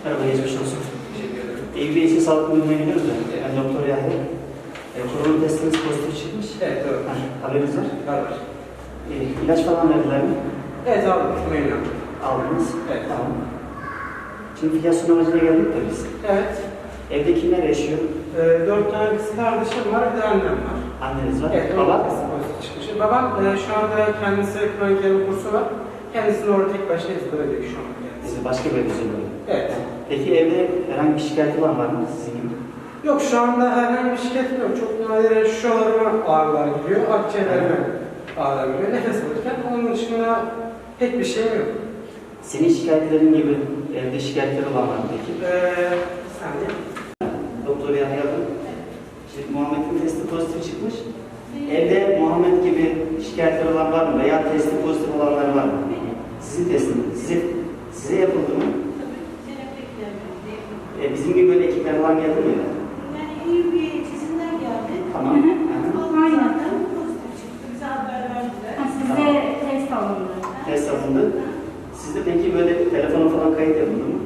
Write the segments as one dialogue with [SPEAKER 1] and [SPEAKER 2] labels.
[SPEAKER 1] Merhaba, geçmiş olsun.
[SPEAKER 2] Teşekkür ederim.
[SPEAKER 1] Eyüp Bey için sağlık bölümüne gidiyoruz da. Ben Doktor Yahya. Korona testiniz pozitif çıkmış.
[SPEAKER 2] Evet, doğru.
[SPEAKER 1] Haberiniz var.
[SPEAKER 2] Var.
[SPEAKER 1] İlaç falan verdiler mi?
[SPEAKER 2] Evet, aldım. Memnun.
[SPEAKER 1] Aldınız.
[SPEAKER 2] Evet.
[SPEAKER 1] Tamam. Şimdi filyasyon amacına geldik de biz.
[SPEAKER 2] Evet.
[SPEAKER 1] Evde kimler yaşıyor?
[SPEAKER 2] 4 tane kız kardeşim var, bir de annem var.
[SPEAKER 1] Anneniz var.
[SPEAKER 2] Evet,
[SPEAKER 1] Baba?
[SPEAKER 2] pozitif çıkmış. Babam şu anda kendisi kronik yarı kursu var. Kendisini orada tek başına izole ediyor şu an.
[SPEAKER 1] Siz başka bir üzerinde.
[SPEAKER 2] Evet.
[SPEAKER 1] Peki evde herhangi bir şikayet olan var mı sizin gibi?
[SPEAKER 2] Yok, şu anda herhangi bir şikayet yok. Çok nadir şuralarıma ağrılar gidiyor, akciğerlerime ağrılar gidiyor. Nefes alırken onun dışında pek bir şeyim yok.
[SPEAKER 1] Senin şikayetlerin gibi evde şikayetleri olan var mı peki?
[SPEAKER 2] Bir saniye.
[SPEAKER 1] Doktor Yahya Bey. Şimdi Muhammed'in testi pozitif çıkmış. Evde Muhammed gibi şikayetler olan var mı? Veya testi pozitif olanlar var mı? Sizin testiniz. Size yapıldı mı? Bizim gibi böyle ekipler falan geldi mi?
[SPEAKER 3] Yani iyi bir eğitisinden geldi.
[SPEAKER 1] Tamam.
[SPEAKER 3] Zaten pozitif çıktı. Bize haber verdiler.
[SPEAKER 4] Size test alındı.
[SPEAKER 1] Test alındı. Sizde peki böyle telefona falan kayıt yapıldı mı?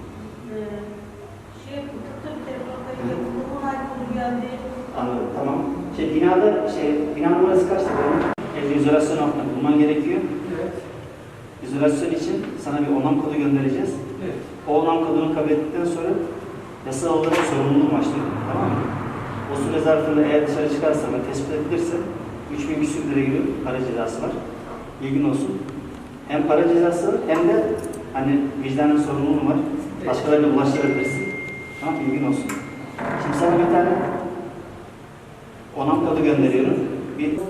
[SPEAKER 3] Şey yapıldı. Tabii telefon kayıt yapıldı. Onay kodu geldi.
[SPEAKER 1] Anladım. Tamam. Bina numarası kaçtı benim? Evde izolasyon altında bulman gerekiyor.
[SPEAKER 2] Evet.
[SPEAKER 1] İzolasyon için sana bir onam kodu göndereceğiz.
[SPEAKER 2] Evet.
[SPEAKER 1] O onam kodunu kabul ettikten sonra yasal olarak sorumluluğu başlıyor. Tamam mı? O süre zarfında eğer dışarı çıkarsan ve tespit edilirse 3.000 küsur lira gibi para cezası var. Bilgin olsun. Hem para cezası hem de hani vicdanın sorumluluğu var. Başkalarına bulaştırabilirsin. Tamam, bilgin olsun. Şimdi sana bir tane onam kodu gönderiyorum. 609.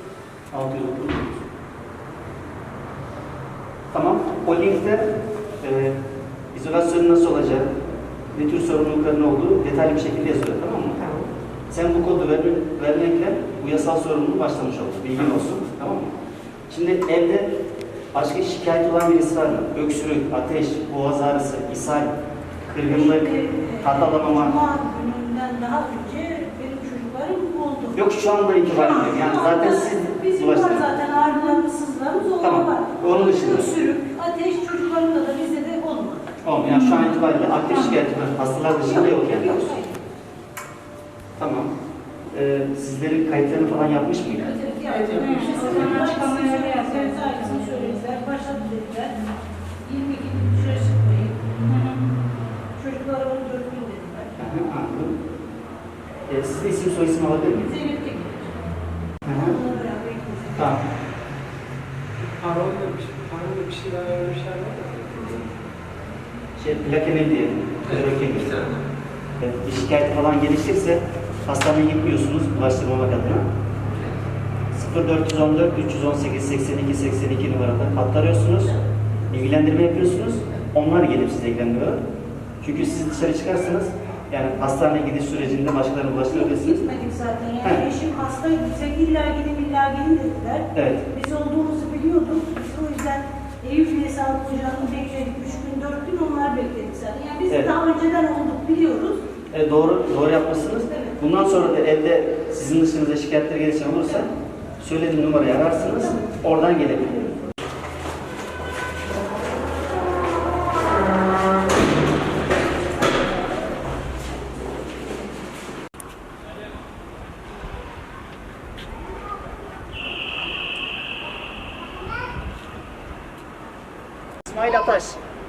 [SPEAKER 1] Tamam. O linkte izolasyonun nasıl olacağı, ne tür sorumlulukların olduğu detaylı bir şekilde yazıyor. Tamam mı? Sen bu kodu vermekle bu yasal sorumluluğu başlamış oldun. Bilgin olsun. Tamam mı? Şimdi evde başka şikayet olan birisi var mı? Öksürük, ateş, boğaz ağrısı, ishal, kırgınlık, tat alamama.
[SPEAKER 3] Cuma gününden daha önce benim çocuklarım oldu.
[SPEAKER 1] Yok, şu anda itibaren yok. Yani zaten siz
[SPEAKER 3] bizim var
[SPEAKER 1] bulaştınız.
[SPEAKER 3] zaten ağrılarımız, sızlarımız olan
[SPEAKER 1] Tamam.
[SPEAKER 3] var.
[SPEAKER 1] Onun dışında.
[SPEAKER 3] Öksürük, ateş çocuklarımda da bizde de olmadı.
[SPEAKER 1] Olmuyor. Yani şu an itibariyle aktif şikayet var. Hastalar dışında yok yani.
[SPEAKER 3] Yok.
[SPEAKER 1] Tamam. Sizlerin kayıtlarını falan yapmış mıydı?
[SPEAKER 3] Evet,
[SPEAKER 2] yapmışız.
[SPEAKER 4] O zaman açıklamaları yazıyor.
[SPEAKER 3] Ailesini söylediler, başladı dediler. 22 gün dışarı çıkmayın. Çocuklara 14 gün dediler.
[SPEAKER 1] Anladım. Siz de isim soyisim alabilir miyim?
[SPEAKER 3] Zeynep de gelir.
[SPEAKER 1] Hı hı.
[SPEAKER 3] Onunla beraber gideceğiz.
[SPEAKER 1] Tamam.
[SPEAKER 2] Parolda bir şey daha vermişler var mı?
[SPEAKER 1] Plakemin diyelim. Klorokin. Bir şikayet falan gelişirse hastaneye gitmiyorsunuz bulaştırmamak adına. 0414 318 82 82 numarada hatta arıyorsunuz. Bilgilendirme yapıyorsunuz. Onlar gelip size ilgilendiriyorlar. Çünkü siz dışarı çıkarsanız yani hastaneye gidiş sürecinde başkalarına bulaştırabilirsiniz.
[SPEAKER 3] Gitmedik zaten. Yani eşim hastaydı. Bize illa gidin dediler.
[SPEAKER 1] Evet.
[SPEAKER 3] Biz olduğumuzu biliyorduk. Biz o yüzden Eyüp Sağlık Ocağı'nı bekledik. 3 gün, 4 gün onlar bekledik zaten. Yani biz
[SPEAKER 1] Evet.
[SPEAKER 3] daha önceden olduk biliyoruz.
[SPEAKER 1] Doğru yapmışsınız.
[SPEAKER 3] Evet.
[SPEAKER 1] Bundan sonra da evde sizin dışınıza şikayetler gelişen olursa söylediğim numarayı ararsınız. Oradan gelebilir. İsmail Ataş.